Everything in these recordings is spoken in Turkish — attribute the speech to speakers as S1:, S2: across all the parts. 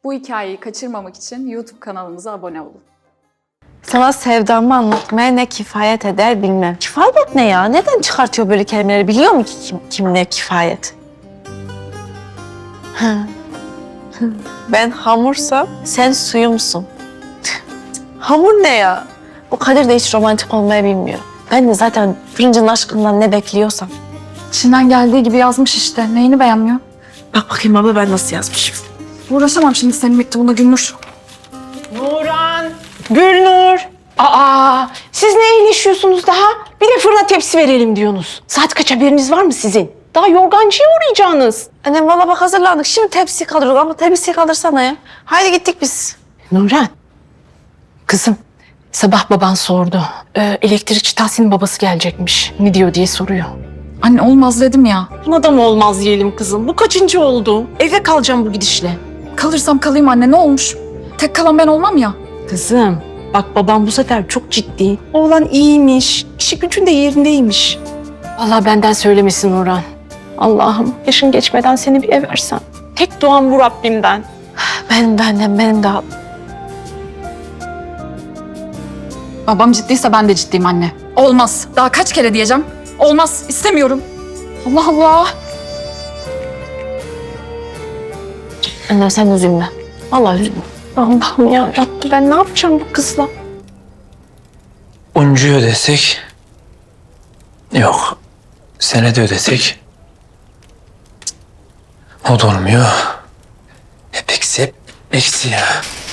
S1: Bu hikayeyi kaçırmamak için YouTube kanalımıza abone olun.
S2: Sana sevdamı anlatmaya ne kifayet eder bilmem. Kifayet ne ya? Neden çıkartıyor böyle kelimeleri? Biliyor mu ki kim ne kifayet? Ben hamursam sen suyumsun. Hamur ne ya? O Kadir de hiç romantik olmayı bilmiyor. Ben de zaten fırıncının aşkından ne bekliyorsam.
S1: İçinden geldiği gibi yazmış işte. Neyini beğenmiyor?
S2: Bak bakayım abla ben nasıl yazmışım.
S1: Uğraşamam şimdi senin mektubuna Gülnur.
S3: Nuran, Gülnur. Aa, siz ne iyileşiyorsunuz daha? Bir de fırına tepsi verelim diyorsunuz. Saat kaç haberiniz var mı sizin? Daha yorgancıya uğrayacaksınız.
S2: Annem valla bak hazırlandık. Şimdi tepsi kaldırdık ama tepsiyi kaldırsana ya. Haydi gittik biz.
S3: Nuran, kızım sabah baban sordu. Elektrikçi Tahsin'in babası gelecekmiş. Ne diyor diye soruyor.
S1: Anne olmaz dedim ya.
S3: Buna da mı olmaz diyelim kızım? Bu kaçıncı oldu? Eve kalacağım bu gidişle.
S1: Kalırsam kalayım anne, ne olmuş? Tek kalan ben olmam ya.
S3: Kızım, bak babam bu sefer çok ciddi. Oğlan iyiymiş, işi gücün de yerindeymiş. Allah benden söylemesin Nurhan. Allah'ım yaşın geçmeden seni bir ev versem. Tek duam bu Rabbimden.
S2: Benim de annem, benim de.
S1: Babam ciddiyse ben de ciddiyim anne. Olmaz. Daha kaç kere diyeceğim? Olmaz. İstemiyorum. Allah Allah.
S2: Anne sen üzülme. Vallahi üzülme.
S3: Allah'ım ya Rabbi, ben ne yapacağım bu kızla?
S4: Uncuyu ödesek... Yok. Senede ödesek... O da olmuyor. Hep eksi ya.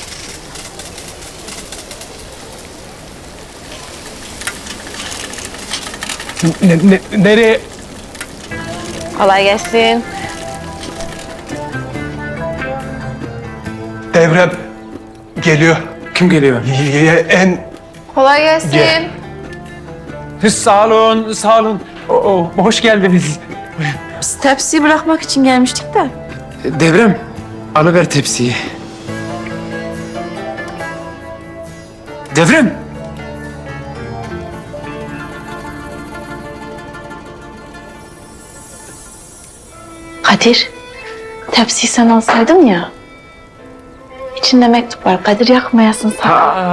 S5: Nereye?
S2: Kolay gelsin.
S5: Devrem geliyor.
S4: Kim geliyor?
S5: En
S2: Kolay gelsin.
S5: Gel. Sağ olun, sağ olun. Hoş geldiniz.
S2: Biz tepsiyi bırakmak için gelmiştik de.
S4: Devrem, alıver tepsiyi. Devrem!
S2: Kadir, tepsiyi sen alsaydın ya. İçinde mektup var. Kadir yakmayasın sen.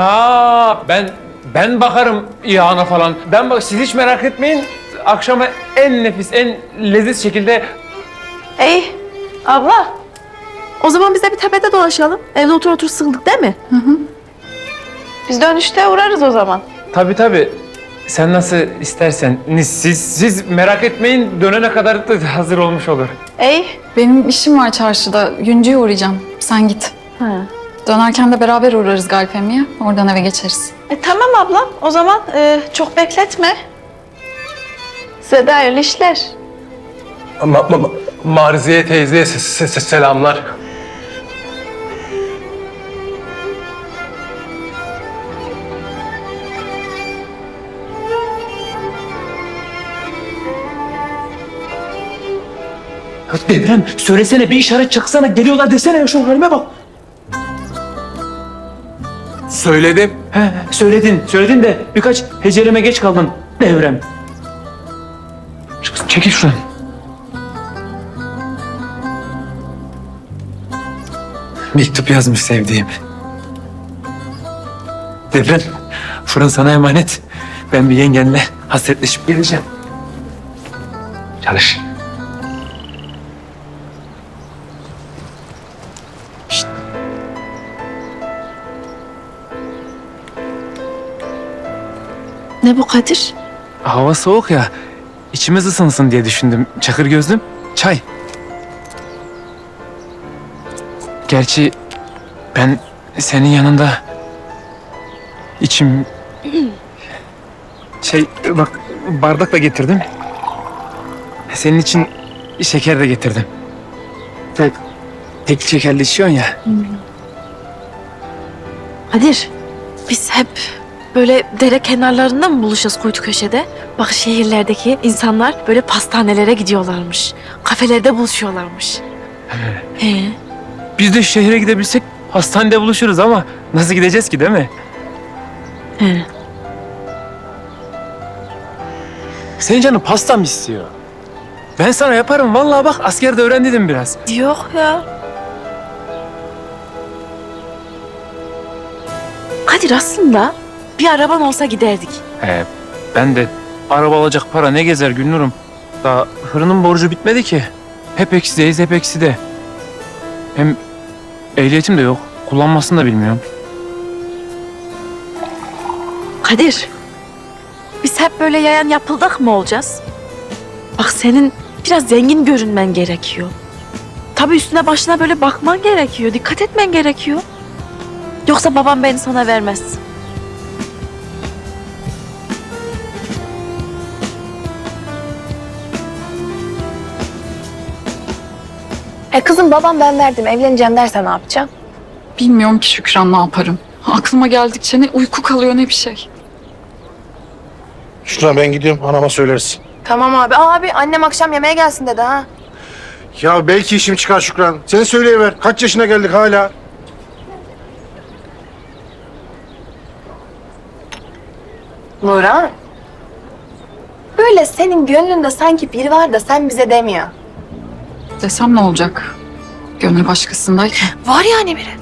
S5: Ben bakarım yağına falan. Siz hiç merak etmeyin. Akşama en nefis, en leziz şekilde...
S2: Ey abla. O zaman biz de bir tepede dolaşalım. Evde otur otur sıkıldık değil mi? Hı. Biz dönüşte uğrarız o zaman.
S5: Tabii. Sen nasıl istersen. Siz merak etmeyin. Dönene kadar da hazır olmuş olur.
S2: Ey.
S1: Benim işim var çarşıda. Yüncü'ye uğrayacağım. Sen git.
S2: Ha.
S1: Dönerken de beraber uğrarız Galip Emmi'ye. Oradan eve geçeriz.
S2: Tamam abla. O zaman çok bekletme. Size de hayırlı işler.
S5: Marziye teyzeye selamlar.
S4: Devrem, söylesene bir işaret çaksana. Geliyorlar desene ya, şu halime bak.
S5: Söyledim.
S4: He, söyledin de birkaç heceleme geç kaldın Devrem. Çekil şuradan. Mektup yazmış sevdiğim. Devrem, fırın sana emanet. Ben bir yengenle hasretleşip geleceğim. Çalış.
S2: Ne bu Kadir?
S4: Hava soğuk ya. İçimiz ısınsın diye düşündüm. Çakır gözlüm, çay. Gerçi ben senin yanında içim... Bak bardak da getirdim. Senin için şeker de getirdim. Tek şekerli içiyorsun ya.
S2: Kadir, biz hep böyle dere kenarlarında mı buluşacağız kuytu köşede? Bak şehirlerdeki insanlar böyle pastanelere gidiyorlarmış. Kafelerde buluşuyorlarmış. He.
S4: Biz de şehre gidebilsek hastanede buluşuruz ama nasıl gideceğiz ki, değil mi?
S2: He.
S4: Senin canın pasta mı istiyor? Ben sana yaparım vallahi, bak askerde öğrendiydim biraz.
S2: Yok ya. Kadir aslında bir araban olsa giderdik.
S5: Ben de araba alacak para ne gezer Gülnur'um. Daha fırının borcu bitmedi ki. Hep eksideyiz, hep ekside. Hem ehliyetim de yok. Kullanmasını da bilmiyorum.
S2: Kadir, biz hep böyle yayan yapıldak mı olacağız? Bak senin biraz zengin görünmen gerekiyor. Tabii üstüne başına böyle bakman gerekiyor, dikkat etmen gerekiyor. Yoksa babam beni sana vermez.
S3: Kızım babam ben verdim evleneceğim derse ne yapacağım?
S1: Bilmiyorum ki Şükran ne yaparım. Aklıma geldikçe ne uyku kalıyor ne bir şey.
S6: Şuna ben gidiyorum, anama söyleriz.
S3: Tamam abi. Abi annem akşam yemeğe gelsin dedi ha.
S6: Ya belki işim çıkar Şükran. Sen söyleyiver. Kaç yaşına geldik hala?
S3: Nurhan. Böyle senin gönlünde sanki biri var da sen bize demiyor.
S1: Desem ne olacak? Gönlü başkasındayken.
S3: Var yani biri.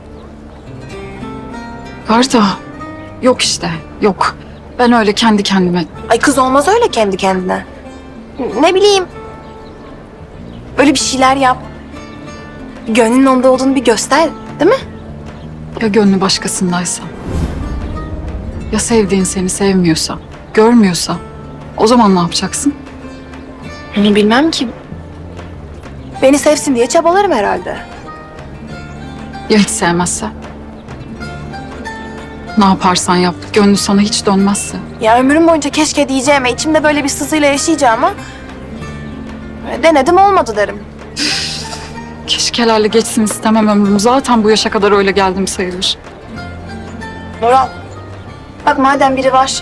S1: Var da yok işte yok. Ben öyle kendi kendime
S3: Ay kız olmaz öyle kendi kendine. Ne bileyim. Böyle bir şeyler yap. Gönlün onda olduğunu bir göster. Değil mi?
S1: ya gönlü başkasındaysa. Ya sevdiğin seni sevmiyorsa, görmüyorsa o zaman ne yapacaksın?
S3: Onu bilmem ki. Beni sevsin diye çabalarım herhalde.
S1: Ya hiç sevmezse? Ne yaparsan yap, gönlü sana hiç dönmezse.
S3: Ya ömrüm boyunca keşke diyeceğime, içimde böyle bir sızıyla yaşayacağıma denedim olmadı derim.
S1: Keşkelerle geçsin istemem ömrüm. Zaten bu yaşa kadar öyle geldim sayılır.
S3: Nural, bak madem biri var,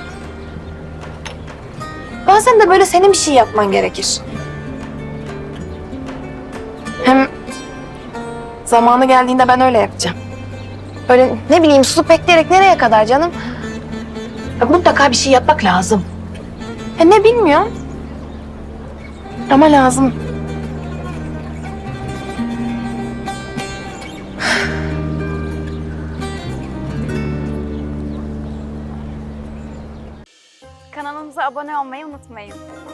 S3: bazen de böyle senin bir şey yapman gerekir. Hem zamanı geldiğinde ben öyle yapacağım. Böyle ne bileyim susup bekleyerek nereye kadar canım? Ya mutlaka bir şey yapmak lazım. Ne bilmiyorum. Ama lazım.
S7: Kanalımıza abone olmayı unutmayın.